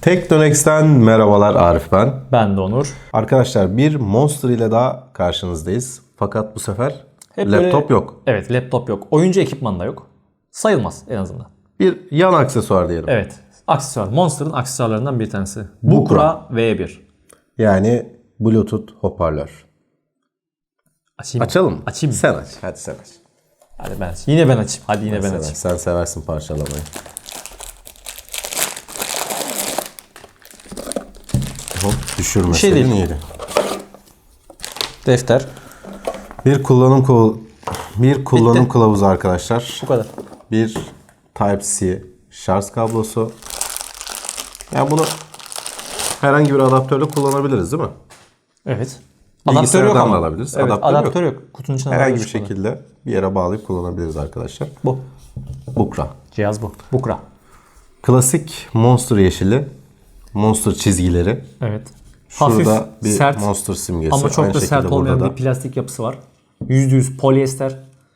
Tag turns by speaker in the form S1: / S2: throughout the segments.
S1: Teknonex'ten merhabalar, Arif ben.
S2: Ben de Onur.
S1: Arkadaşlar bir Monster ile daha karşınızdayız. Fakat bu sefer
S2: Hep
S1: laptop yok.
S2: Evet, laptop yok. Oyuncu ekipman da yok. Sayılmaz en azından.
S1: Bir yan aksesuar diyelim.
S2: Evet. Aksesuar. Monster'ın aksesuarlarından bir tanesi.
S1: Bukra.
S2: V1.
S1: Yani Bluetooth hoparlör.
S2: Açayım.
S1: Açalım mı?
S2: Açayım mı?
S1: Sen aç. Hadi sen aç.
S2: Hadi ben açayım. Yine ben açayım. Hadi yine ben
S1: Sen,
S2: açayım.
S1: sen seversin parçalamayı. Hop, düşürmeseydin
S2: şey değil.
S1: iyiydi.
S2: Defter.
S1: Bir kullanım kılavuzu arkadaşlar.
S2: Bu kadar.
S1: Bir Type-C şarj kablosu. Yani bunu herhangi bir adaptörle kullanabiliriz değil mi?
S2: Evet. Adaptör yok
S1: Bilgisayardan
S2: ama.
S1: da alabiliriz.
S2: Evet,
S1: Adaptör
S2: adaptör yok. Kutunun içine
S1: Herhangi bir
S2: alabiliriz bunu.
S1: şekilde bir yere bağlayıp kullanabiliriz arkadaşlar.
S2: Bu.
S1: Bukra.
S2: Cihaz bu. Bukra.
S1: Klasik Monster yeşili. Monster çizgileri.
S2: Evet.
S1: Şurada
S2: Hafif,
S1: bir
S2: sert
S1: Monster simgesi.
S2: ama çok
S1: Aynı
S2: da sert
S1: şekilde
S2: olmayan
S1: burada
S2: bir plastik yapısı var. %100 polyester.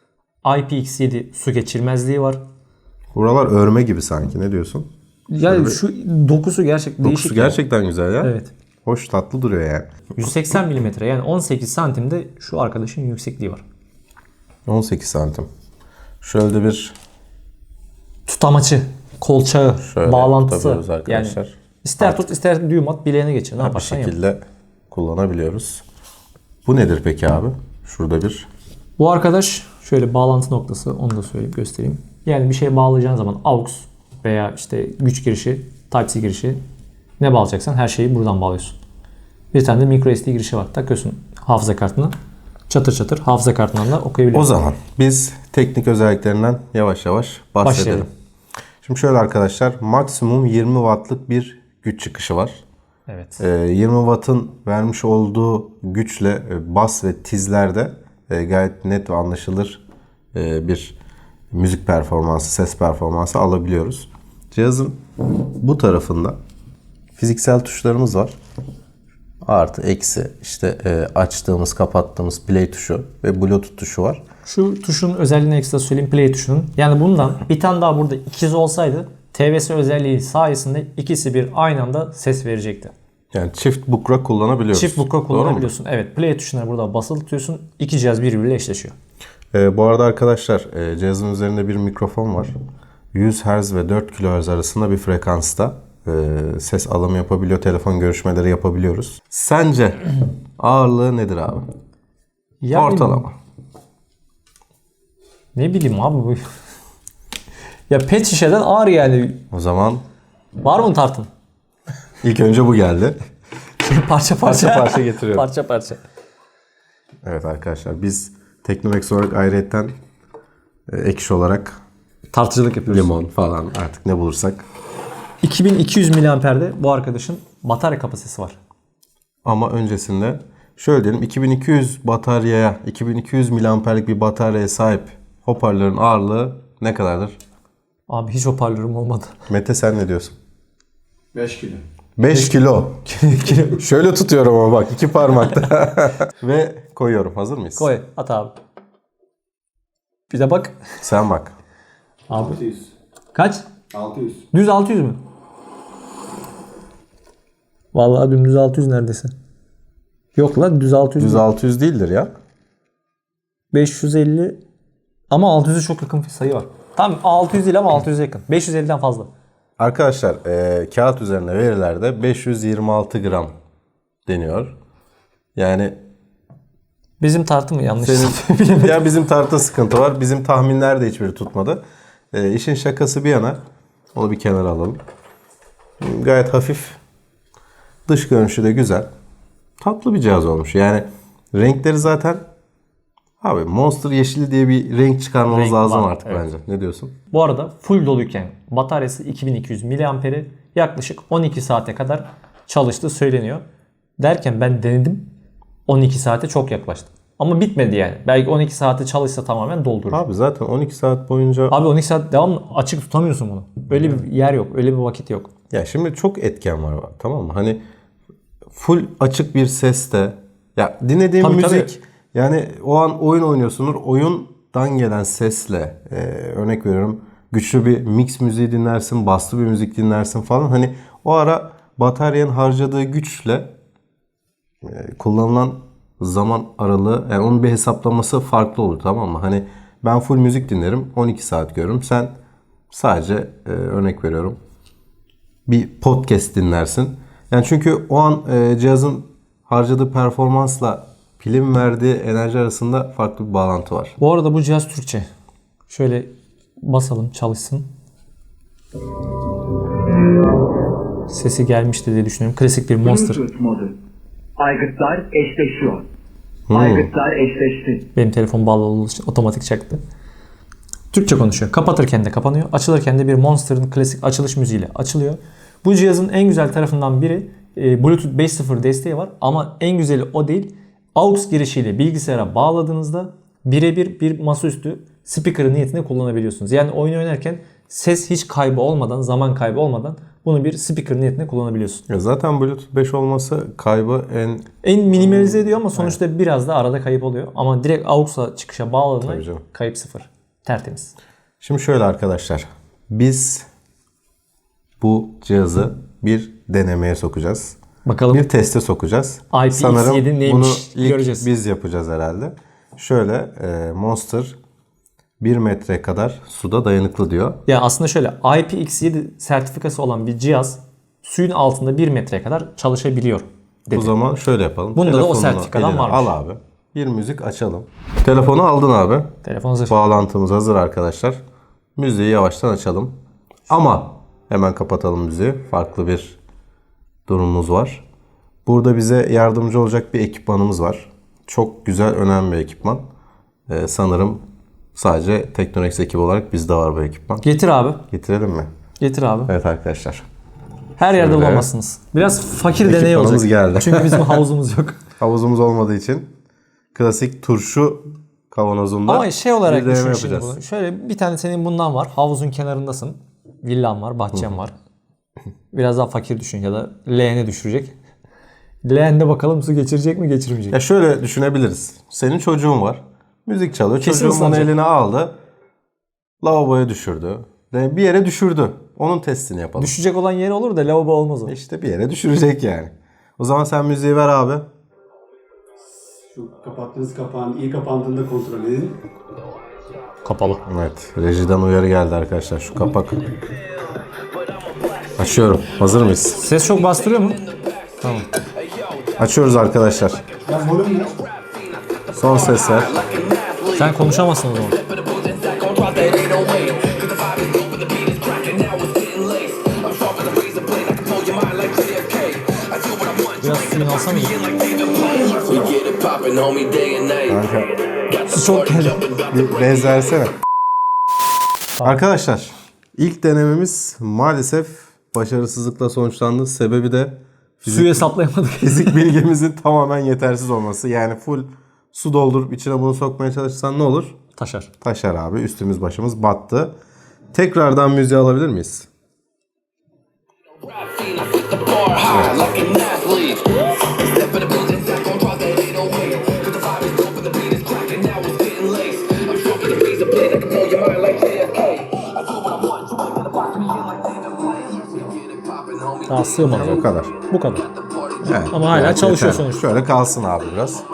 S2: IPX7 su geçirmezliği var.
S1: Buralar örme gibi sanki. Ne diyorsun?
S2: Yani şu dokusu gerçekten değişik.
S1: Dokusu gerçekten güzel ya.
S2: Evet.
S1: Hoş, tatlı duruyor yani.
S2: 180 mm yani 18 santimde şu arkadaşın yüksekliği var.
S1: 18 santim. Şöyle bir
S2: Tutamaçı, kolçağı,
S1: şöyle
S2: bağlantısı.
S1: takıyoruz
S2: Yani
S1: arkadaşlar.
S2: ister tut ister düğüm at bileğine geçir. Ne
S1: Bir
S2: yaparsan yap.
S1: şekilde kullanabiliyoruz. Bu nedir peki abi? Şurada bir
S2: Bu arkadaş şöyle bağlantı noktası, onu da söyleyeyp göstereyim. Yani bir şey bağlayacağın zaman AUX veya işte güç girişi, Type-C girişi ne bağlayacaksan her şeyi buradan bağlıyorsun. Bir tane de microSD girişi var. Takıyorsun hafıza kartına. Çatır çatır hafıza kartından da okuyabiliyorsun.
S1: O zaman biz teknik özelliklerinden yavaş yavaş bahsedelim.
S2: Başlayalım.
S1: Şimdi şöyle arkadaşlar, maksimum 20 wattlık bir güç çıkışı var.
S2: Evet.
S1: 20 wattın vermiş olduğu güçle bas ve tizlerde gayet net ve anlaşılır bir müzik performansı, ses performansı alabiliyoruz. Cihazın bu tarafında fiziksel tuşlarımız var. Artı, eksi, işte açtığımız, kapattığımız play tuşu ve Bluetooth tuşu var.
S2: Şu tuşun özelliğini ekstra söyleyeyim, play tuşunun. Yani bundan bir tane daha burada ikizi olsaydı TVS özelliği sayesinde ikisi bir aynı anda ses verecekti.
S1: Yani çift bukra kullanabiliyoruz.
S2: Çift bukra kullanabiliyorsun. Evet, play tuşuna burada basılı tutuyorsun. İki cihaz birbiriyle eşleşiyor.
S1: Bu arada arkadaşlar cihazın üzerinde bir mikrofon var. 100 Hz ve 4 kHz arasında bir frekansta ses alımı yapabiliyor. Telefon görüşmeleri yapabiliyoruz. Sence ağırlığı nedir abi?
S2: Yani,
S1: Ortalama.
S2: Ne bileyim abi bu. Ya pet şişeden ağır yani.
S1: O zaman
S2: Var mı tartın?
S1: ilk önce bu geldi.
S2: Parça parça.
S1: Parça getiriyorum.
S2: Parça parça.
S1: Evet arkadaşlar, biz Teknomex olarak ayrıyetten ekşi olarak
S2: Tartıcılık yapıyoruz.
S1: limon falan artık ne bulursak.
S2: 2200 miliamperde bu arkadaşın batarya kapasitesi var.
S1: Ama öncesinde şöyle diyelim, 2200 miliamperlik bir bataryaya sahip hoparlörün ağırlığı ne kadardır?
S2: Abi hiç hoparlörüm olmadı.
S1: Mete, sen ne diyorsun?
S3: 5 kilo.
S1: 5 kilo. Şöyle tutuyorum ama bak, iki parmakta. Ve koyuyorum. Hazır mıyız?
S2: Koy at abi. Bir de bak.
S1: Sen bak.
S2: Abi
S3: 600.
S2: kaç?
S3: 600.
S2: Düz 600 mü? Vallahi dümdüz 600 neredeyse. Yok lan düz 600.
S1: Düz 600 değildir ya.
S2: 550 ama 600'e çok yakın bir sayı var. Tam 600 değil ama 600'e yakın. 550'den fazla.
S1: Arkadaşlar kağıt üzerinde verilerde 526 gram deniyor. Yani
S2: Bizim tartı mı yanlış?
S1: ya bizim tartıda sıkıntı var. Bizim tahminler de hiçbiri tutmadı. İşin şakası bir yana, onu bir kenara alalım. Gayet hafif. Dış görünüşü de güzel. Tatlı bir cihaz olmuş. Yani renkleri zaten abi Monster yeşili diye bir renk çıkarmamız
S2: Renk
S1: lazım
S2: var,
S1: artık
S2: evet.
S1: bence. Ne diyorsun?
S2: Bu arada full doluyken bataryası 2200 miliamperi yaklaşık 12 saate kadar çalıştığı söyleniyor. Derken ben denedim. 12 saate çok yaklaştı. Ama bitmedi yani. Belki 12 saate çalışsa tamamen doldurur.
S1: Abi zaten 12 saat boyunca...
S2: Abi 12 saat devamlı açık tutamıyorsun bunu. Öyle bir yer yok. Öyle bir vakit yok.
S1: Ya şimdi çok etken var, tamam mı? Hani full açık bir seste, ya dinlediğin
S2: Tabii,
S1: müzik,
S2: tabii.
S1: yani o an oyun oynuyorsundur. Oyundan gelen sesle örnek veriyorum, güçlü bir mix müziği dinlersin, baslı bir müzik dinlersin falan. Hani o ara bataryanın harcadığı güçle kullanılan zaman aralığı, yani onun bir hesaplaması farklı olur, tamam mı? Hani ben full müzik dinlerim, 12 saat görürüm. Sen sadece örnek veriyorum bir podcast dinlersin. Yani çünkü o an cihazın harcadığı performansla pilin verdiği enerji arasında farklı bir bağlantı var.
S2: Bu arada bu cihaz Türkçe. Şöyle basalım, çalışsın. Sesi gelmişti diye düşünüyorum. Klasik bir Monster.
S4: Bluetooth modu. Aygıtlar eşleşiyor. Aygıtlar eşleşti.
S2: Benim telefon bağlı olduğu için otomatik çaktı. Türkçe konuşuyor. Kapatırken de kapanıyor. Açılırken de bir Monster'ın klasik açılış müziğiyle açılıyor. Bu cihazın en güzel tarafından biri Bluetooth 5.0 desteği var. Ama en güzeli o değil. AUX girişiyle bilgisayara bağladığınızda birebir bir masaüstü speaker niyetinde kullanabiliyorsunuz. Yani oyun oynarken ses hiç kaybı olmadan, zaman kaybı olmadan bunu bir speaker niyetinde kullanabiliyorsun.
S1: Ya zaten Bluetooth 5 olması kaybı
S2: En minimalize ediyor ama sonuçta biraz da arada kayıp oluyor. Ama direkt AUX'a çıkışa bağladığında
S1: Tabii canım.
S2: kayıp sıfır. Tertemiz.
S1: Şimdi şöyle arkadaşlar. Biz bu cihazı bir denemeye sokacağız.
S2: Bakalım
S1: Bir teste sokacağız.
S2: IPX7
S1: Sanırım
S2: neymiş
S1: bunu ilk
S2: göreceğiz.
S1: biz yapacağız herhalde. Şöyle Monster 1 metre kadar suda dayanıklı diyor.
S2: ya aslında şöyle IPX7 sertifikası olan bir cihaz suyun altında 1 metreye kadar çalışabiliyor dedi.
S1: O zaman şöyle yapalım.
S2: Bunda da o
S1: Telefonunu
S2: sertifikadan
S1: eline
S2: varmış.
S1: al abi. Bir müzik açalım. Telefonu aldın abi.
S2: Telefon hazır.
S1: Bağlantımız hazır arkadaşlar. Müziği yavaştan açalım. Ama hemen kapatalım müziği. Farklı bir durumumuz var. Burada bize yardımcı olacak bir ekipmanımız var. Çok güzel, önemli bir ekipman. Sanırım sadece Teknonex ekibi olarak bizde var bu ekipman.
S2: Getir abi.
S1: Getirelim mi?
S2: Getir abi.
S1: Evet arkadaşlar.
S2: Her yerde
S1: Şöyle.
S2: bulamazsınız. Biraz fakir deney
S1: Ekipmanımız
S2: olacak.
S1: geldi.
S2: Çünkü bizim havuzumuz yok.
S1: Havuzumuz olmadığı için klasik turşu kavanozunda
S2: Ama şey olarak
S1: bir deneme
S2: düşün şimdi
S1: yapacağız.
S2: bunu. Şöyle bir tane senin bundan var. Havuzun kenarındasın. Villan var, bahçen var. Biraz daha fakir düşün ya da leğene düşürecek. Leğende bakalım su geçirecek mi geçirmeyecek.
S1: Ya şöyle düşünebiliriz. Senin çocuğun var. Müzik çalıyor.
S2: Kesin
S1: Çocuğun bunu
S2: ıslanacak.
S1: eline aldı. Lavaboya düşürdü. Yani bir yere düşürdü. Onun testini yapalım.
S2: Düşecek olan yer olur da lavabo olmaz o.
S1: İşte bir yere düşürecek yani. O zaman sen müziği ver abi.
S3: Şu kapattığınız kapağın iyi kapandığında kontrol edin.
S2: Kapalı.
S1: Evet. Rejiden uyarı geldi arkadaşlar. Şu kapak. Açıyorum. Hazır mıyız?
S2: Ses çok bastırıyor mu? Tamam.
S1: Açıyoruz arkadaşlar.
S3: Ben volüm ne?
S1: Son sesler.
S2: Sen konuşamazsın o zaman. Biraz suyun alsana.
S1: Kanka,
S2: Su çok geldi.
S1: bir benzersene. Arkadaşlar, ilk denememiz maalesef başarısızlıkla sonuçlandı. Sebebi de
S2: Suyu hesaplayamadık.
S1: fizik bilgimizin tamamen yetersiz olması. Yani full su doldurup içine bunu sokmaya çalışsan ne olur?
S2: Taşar.
S1: Taşar abi. Üstümüz başımız battı. Tekrardan müziği alabilir miyiz?
S2: Daha sığmadı.
S1: Bu kadar.
S2: Bu kadar.
S1: Evet.
S2: Ama hala
S1: Evet,
S2: çalışıyor
S1: yeter.
S2: sonuçta.
S1: Şöyle kalsın abi biraz.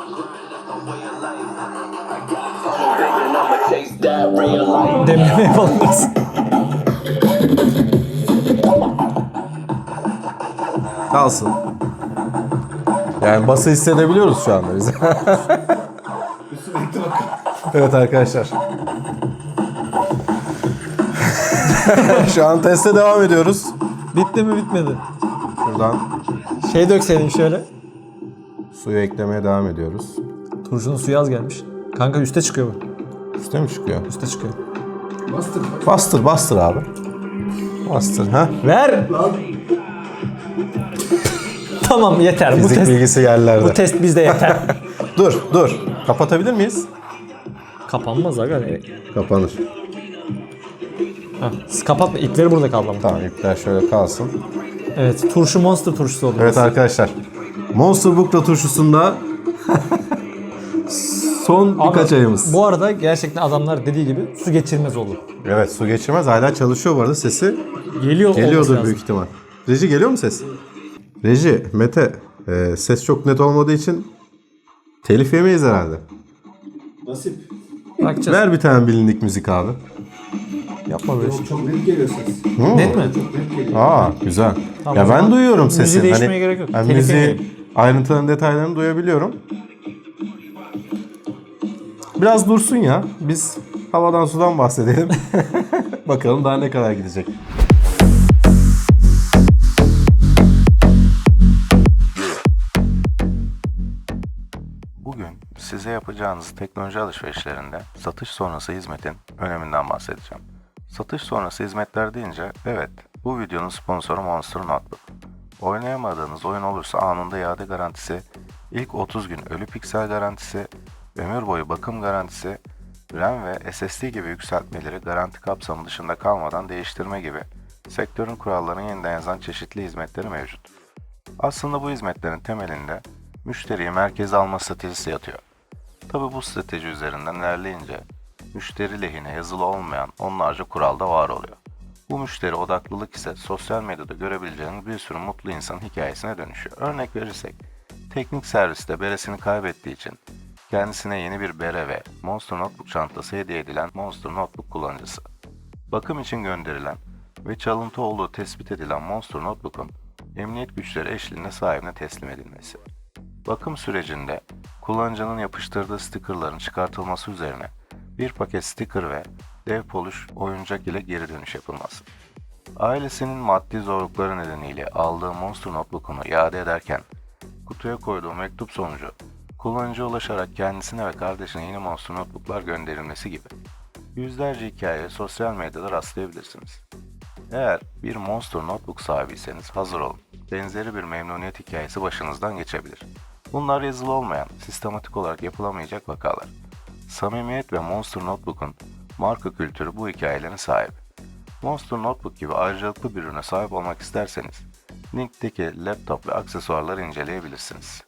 S2: Demleme yapalım biraz.
S1: Kalsın. Yani bası hissedebiliyoruz şu anda biz. Evet arkadaşlar. Şu an teste devam ediyoruz.
S2: Bitti mi bitmedi.
S1: Şuradan
S2: Şey dökseydin şöyle.
S1: suyu eklemeye devam ediyoruz.
S2: Turşunun suyu az gelmiş. Kanka üste çıkıyor bu.
S1: Üste mi çıkıyor?
S2: Üste çıkıyor.
S3: Bastır.
S1: Bastır, bastır abi. Bastır, ha?
S2: Ver. Tamam yeter.
S1: Fizik bilgisi yerlerde.
S2: Bu test bizde yeter.
S1: Dur. Kapatabilir miyiz?
S2: Kapanmaz aga.
S1: Kapanır.
S2: Ha, siz kapatma. İpleri burada kaldı ama.
S1: Tamam, ipler şöyle kalsın.
S2: Evet. Turşu Monster turşusu oldu.
S1: Evet arkadaşlar. Monster Bukla turşusunda son birkaç ayımız.
S2: Bu arada gerçekten adamlar dediği gibi su geçirmez oldu.
S1: Evet, su geçirmez. Hala çalışıyor bu arada. Sesi
S2: Geliyordur
S1: geliyordur büyük ihtimal. Reji geliyor mu ses? Reji, Mete, ses çok net olmadığı için telif yemeyiz herhalde.
S3: Nasip.
S2: Bakacağız.
S1: Ver bir tane bilindik müzik abi.
S2: Yapma böyle şey.
S3: Çok net geliyor ses.
S2: Net mi?
S3: Çok net geliyor.
S1: Aa, güzel.
S2: Tamam,
S1: ya
S2: o
S1: ben
S2: zaman
S1: duyuyorum
S2: müziği
S1: sesi.
S2: değiştirmeye gerek yok.
S1: Ben
S2: Telif
S1: müziği
S2: yemeyelim.
S1: ayrıntılarını, detaylarını duyabiliyorum. Biraz dursun ya. Biz havadan sudan bahsedelim. Bakalım daha ne kadar gidecek. Bugün size yapacağınız teknoloji alışverişlerinde satış sonrası hizmetin öneminden bahsedeceğim. Satış sonrası hizmetler deyince evet, bu videonun sponsoru Monster Notebook. Oynayamadığınız oyun olursa anında iade garantisi, ilk 30 gün ölü piksel garantisi, ömür boyu bakım garantisi, RAM ve SSD gibi yükseltmeleri garanti kapsamı dışında kalmadan değiştirme gibi sektörün kurallarını yeniden yazan çeşitli hizmetleri mevcut. Aslında bu hizmetlerin temelinde müşteriyi merkeze alma stratejisi yatıyor. Tabi bu strateji üzerinden ilerleyince müşteri lehine yazılı olmayan onlarca kural da var oluyor. Bu müşteri odaklılık ise sosyal medyada görebileceğiniz bir sürü mutlu insan hikayesine dönüşüyor. Örnek verirsek, teknik serviste beresini kaybettiği için kendisine yeni bir bere ve Monster Notebook çantası hediye edilen Monster Notebook kullanıcısı. Bakım için gönderilen ve çalıntı olduğu tespit edilen Monster Notebook'un emniyet güçleri eşliğinde sahibine teslim edilmesi. Bakım sürecinde kullanıcının yapıştırdığı stickerların çıkartılması üzerine bir paket sticker ve dev polish oyuncak ile geri dönüş yapılması. Ailesinin maddi zorlukları nedeniyle aldığı Monster Notebook'unu iade ederken kutuya koyduğu mektup sonucu kullanıcıya ulaşarak kendisine ve kardeşine yeni Monster Notebook'lar gönderilmesi gibi yüzlerce hikayeye sosyal medyada rastlayabilirsiniz. Eğer bir Monster Notebook sahibiyseniz hazır olun. Benzeri bir memnuniyet hikayesi başınızdan geçebilir. Bunlar yazılı olmayan, sistematik olarak yapılamayacak vakalar. Samimiyet ve Monster Notebook'un marka kültürü bu hikayelerin sahibi. Monster Notebook gibi ayrıcalıklı bir ürüne sahip olmak isterseniz, linkteki laptop ve aksesuarları inceleyebilirsiniz.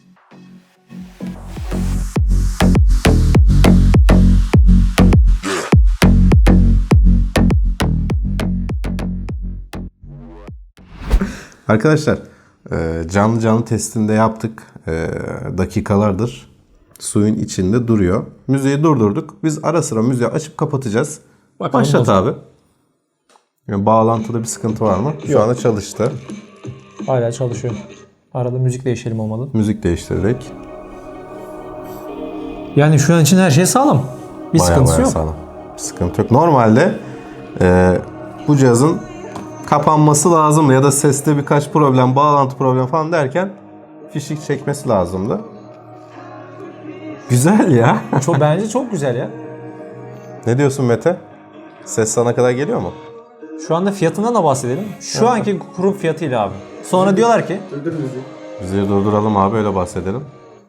S1: Arkadaşlar, canlı canlı testinde yaptık. Dakikalardır suyun içinde duruyor. Müziği durdurduk. Biz ara sıra müziği açıp kapatacağız.
S2: Bakalım
S1: Başlat
S2: bozuldu.
S1: abi. Yani bağlantıda bir sıkıntı var mı? Şu anda çalıştı.
S2: Hala çalışıyor. Arada müzik değişelim olmadı.
S1: Müzik değiştirdik.
S2: Yani şu an için her şey sağlam. Bir sıkıntısı yok.
S1: Sağlam. Bir sıkıntı yok. Normalde bu cihazın kapanması lazımdı ya da seste birkaç problem, bağlantı problemi falan derken fişik çekmesi lazımdı. Güzel ya.
S2: Bence çok güzel ya.
S1: Ne diyorsun Mete? Ses sana kadar geliyor mu?
S2: Şu anda fiyatından da bahsedelim. Şu anki kurum fiyatıyla abi. Sonra diyorlar ki
S3: Durdur müziği.
S1: Bizi durduralım abi, öyle bahsedelim.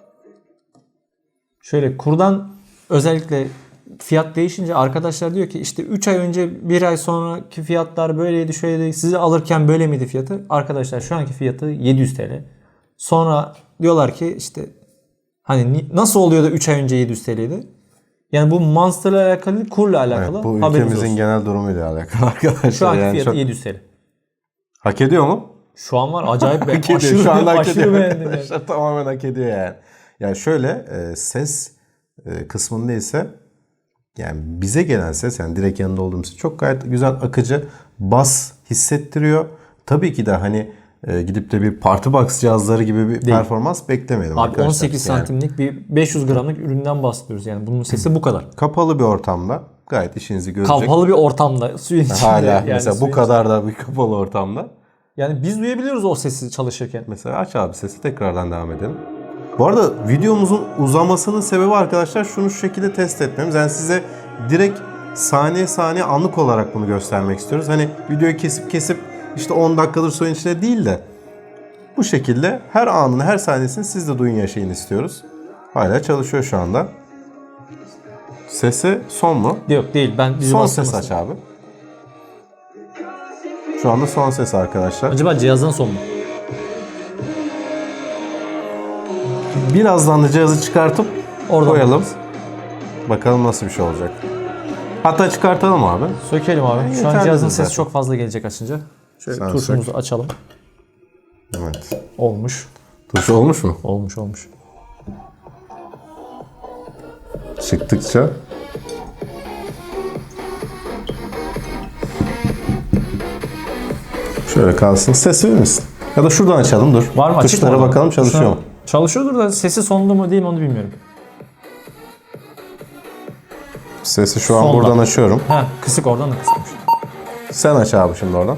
S2: şöyle kurdan özellikle fiyat değişince arkadaşlar diyor ki işte 3 ay önce 1 ay sonraki fiyatlar böyleydi şöyleydi. Sizi alırken böyle miydi fiyatı? Arkadaşlar şu anki fiyatı 700 TL. Sonra diyorlar ki işte hani nasıl oluyor da 3 ay önce 700 TL'ydi? Yani bu Monster'la alakalı değil, kurla alakalı.
S1: Evet, bu
S2: Haberiniz
S1: ülkemizin
S2: olsun.
S1: genel durumuyla alakalı arkadaşlar.
S2: Şu anki
S1: Yani
S2: fiyatı
S1: çok...
S2: 700 TL.
S1: Hak ediyor mu?
S2: Şu an var acayip
S1: Hak ediyor.
S2: aşırı,
S1: Şu anda hak
S2: aşırı
S1: ediyor
S2: beğendim. Yani.
S1: arkadaşlar. Tamamen hak ediyor yani. Yani şöyle ses kısmında ise yani bize gelen ses, yani direkt yanında olduğumuz ses çok gayet güzel, akıcı, bas hissettiriyor. Tabii ki de hani gidip de bir party box cihazları gibi bir performans beklemeyelim
S2: Abi
S1: arkadaşlar.
S2: 18
S1: Yani
S2: santimlik bir 500 gramlık üründen bahsediyoruz yani. Bunun sesi bu kadar.
S1: kapalı bir ortamda gayet işinizi görecek.
S2: Kapalı bir ortamda suyun içinde.
S1: Hala
S2: yani
S1: mesela bu
S2: suyun
S1: kadar da bir kapalı ortamda.
S2: Yani biz duyabiliyoruz o sesi çalışırken.
S1: Mesela aç abi sesi, tekrardan devam edelim. Bu arada videomuzun uzamasının sebebi arkadaşlar şunu şu şekilde test etmemiz. Yani size direkt saniye saniye anlık olarak bunu göstermek istiyoruz. Hani videoyu kesip işte 10 dakikadır suyun içinde değil de bu şekilde her anını, her saniyesini siz de duyun, yaşayın istiyoruz. Hala çalışıyor şu anda. Sesi son mu?
S2: Yok değil. Ben
S1: Son ses aç abi. Şu anda son ses arkadaşlar.
S2: Acaba cihazdan son mu?
S1: Birazdan da cihazı çıkartıp
S2: Oradan
S1: koyalım.
S2: bakarız.
S1: Bakalım nasıl bir şey olacak. Hatta çıkartalım abi.
S2: Sökelim abi. Şu an
S1: Yeterlidir
S2: cihazın sesi
S1: zaten.
S2: çok fazla gelecek açınca. Şöyle
S1: Sen
S2: tuşumuzu açalım.
S1: Evet.
S2: Olmuş.
S1: Tuş olmuş mu?
S2: Olmuş.
S1: Çıktıkça şöyle kalsın. Ses verir misin? Ya da şuradan açalım dur.
S2: Var mı? Açık
S1: Tuşlara
S2: mı orada?
S1: bakalım çalışıyor mu?
S2: Çalışıyordur da sesi sonlu mu değil mi onu bilmiyorum.
S1: Sesi şu an
S2: Sonda.
S1: buradan açıyorum.
S2: Ha, kısık, oradan da kısıkmış.
S1: Sen aç abi şimdi oradan.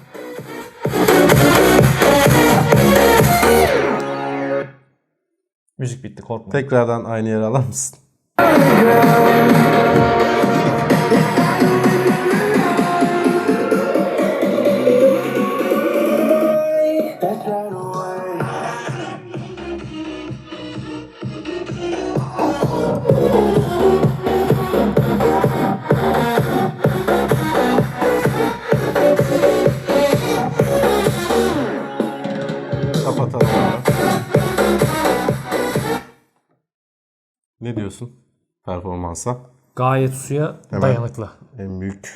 S2: Müzik bitti, korkma.
S1: Tekrardan aynı yere alır mısın? Kapatalım abi. Ne diyorsun performansa?
S2: Gayet suya dayanıklı.
S1: En büyük.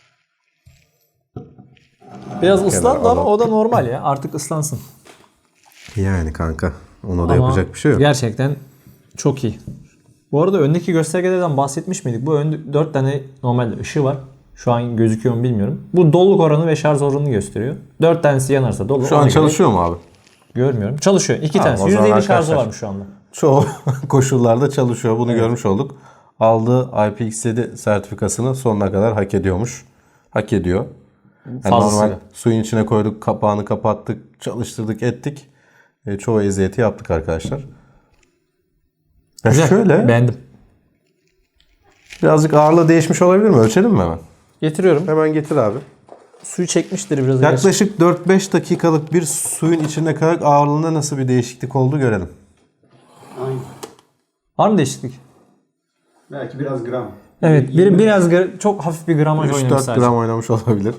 S2: Biraz ıslandı ama
S1: alalım.
S2: o da normal ya. Artık ıslansın.
S1: Yani kanka. Ona da
S2: Ama
S1: yapacak bir şey yok.
S2: gerçekten çok iyi. Bu arada öndeki göstergelerden bahsetmiş miydik? Bu önde 4 tane normalde ışığı var. Şu an gözüküyor mu bilmiyorum. Bu doluluk oranı ve şarj oranını gösteriyor. 4 tanesi yanarsa dolu.
S1: Şu
S2: ona
S1: an
S2: göre
S1: çalışıyor mu abi?
S2: görmüyorum. Çalışıyor. 2 tanesi.
S1: o zaman
S2: %50
S1: arkadaşlar-
S2: şarjı varmış şu anda.
S1: Çoğu koşullarda çalışıyor. Bunu görmüş olduk. Aldığı IPX7 sertifikasını sonuna kadar hak ediyormuş. Hak ediyor. Yani
S2: Fazlasıyla.
S1: normal suyun içine koyduk, kapağını kapattık, çalıştırdık, ettik. Çoğu eziyeti yaptık arkadaşlar. Ya
S2: Güzel.
S1: şöyle
S2: Beğendim.
S1: birazcık ağırlığı değişmiş olabilir mi? Ölçelim mi hemen?
S2: Getiriyorum.
S1: Hemen getir abi.
S2: Suyu çekmiştir biraz.
S1: Yaklaşık 4-5 dakikalık bir suyun içinde kalarak ağırlığında nasıl bir değişiklik oldu görelim.
S3: Aynen.
S2: Var mı değişiklik?
S3: Belki biraz gram.
S2: Evet. Biraz çok hafif bir gramaj oynamış
S1: 3-4
S2: sadece.
S1: gram oynamış olabilir.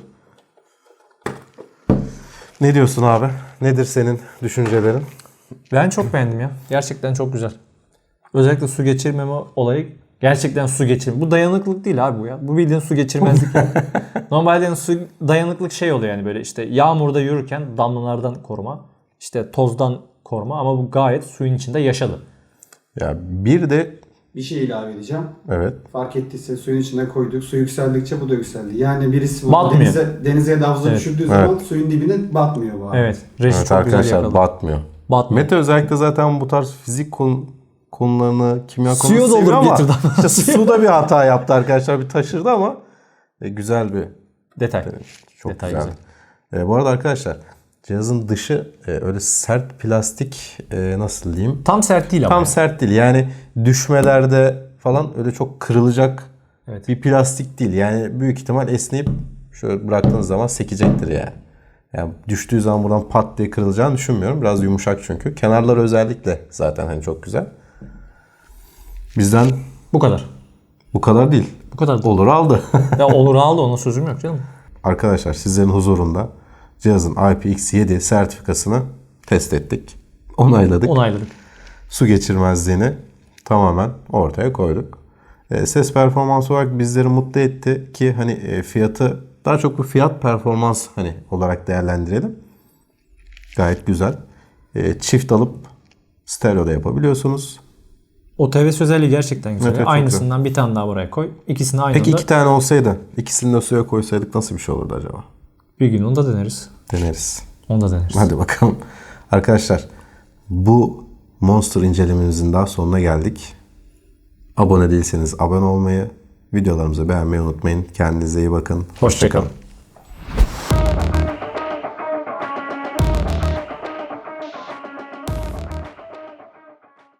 S1: Ne diyorsun abi? Nedir senin düşüncelerin?
S2: Ben çok beğendim ya. Gerçekten çok güzel. Özellikle su geçirmeme olayı gerçekten su geçirme. Bu dayanıklılık değil abi bu ya. Bu bildiğin su geçirmezlik ya. Normalde yani su dayanıklık şey oluyor yani böyle işte yağmurda yürürken damlalardan koruma, işte tozdan koruma ama bu gayet suyun içinde yaşadı.
S1: Ya bir de
S3: Bir şey ilave edeceğim.
S1: evet.
S3: Fark ettiyse suyun içine koyduk. Su yükseldikçe bu da yükseldi. Yani birisi bunu
S2: Batmıyor.
S3: denize ya da havuza
S2: Evet.
S3: düşürdüğü zaman suyun dibine batmıyor bu abi.
S2: Evet. Reji
S1: Evet
S2: çok güzel
S1: arkadaşlar
S2: yakaladı.
S1: batmıyor.
S2: Batmıyor.
S1: Mete özellikle zaten bu tarz fizik konularını, kimya
S2: Suyu
S1: konularını seviyor
S2: doldurup
S1: ama
S2: getirdi ama.
S1: işte suda bir hata yaptı arkadaşlar. Bir taşırdı ama güzel bir
S2: Detay.
S1: çok
S2: Detay
S1: güzel. Bu arada arkadaşlar cihazın dışı öyle sert plastik nasıl diyeyim?
S2: Tam sert değil ama.
S1: Tam sert değil. Yani düşmelerde falan öyle çok kırılacak
S2: Evet.
S1: bir plastik değil. Yani büyük ihtimal esneyip şöyle bıraktığınız zaman sekecektir yani. Yani düştüğü zaman buradan pat diye kırılacağını düşünmüyorum. Biraz yumuşak çünkü. Kenarları özellikle zaten hani çok güzel. Bizden
S2: Bu kadar.
S1: bu kadar değil.
S2: Bu kadar.
S1: Olur aldı.
S2: Ya olur aldı, ona sözüm yok canım.
S1: Arkadaşlar sizlerin huzurunda cihazın IPX7 sertifikasını test ettik. Onayladık.
S2: Onayladık.
S1: Su geçirmezliğini tamamen ortaya koyduk. Ses performansı olarak bizleri mutlu etti ki hani fiyatı daha çok bu fiyat performans hani olarak değerlendirelim. Gayet güzel. Çift alıp stereo da yapabiliyorsunuz.
S2: O TVS özelliği gerçekten güzel.
S1: Evet, evet, çok
S2: Aynısından bir tane daha buraya koy. İkisini aynı
S1: Peki
S2: anda
S1: 2 tane olsaydı ikisini de suya koysaydık nasıl bir şey olurdu acaba?
S2: bir gün onu da deneriz.
S1: Deneriz.
S2: Onu da deneriz.
S1: Hadi bakalım. Arkadaşlar bu Monster incelememizin daha sonuna geldik. Abone değilseniz abone olmayı, videolarımızı beğenmeyi unutmayın. Kendinize iyi bakın.
S2: Hoşça kalın.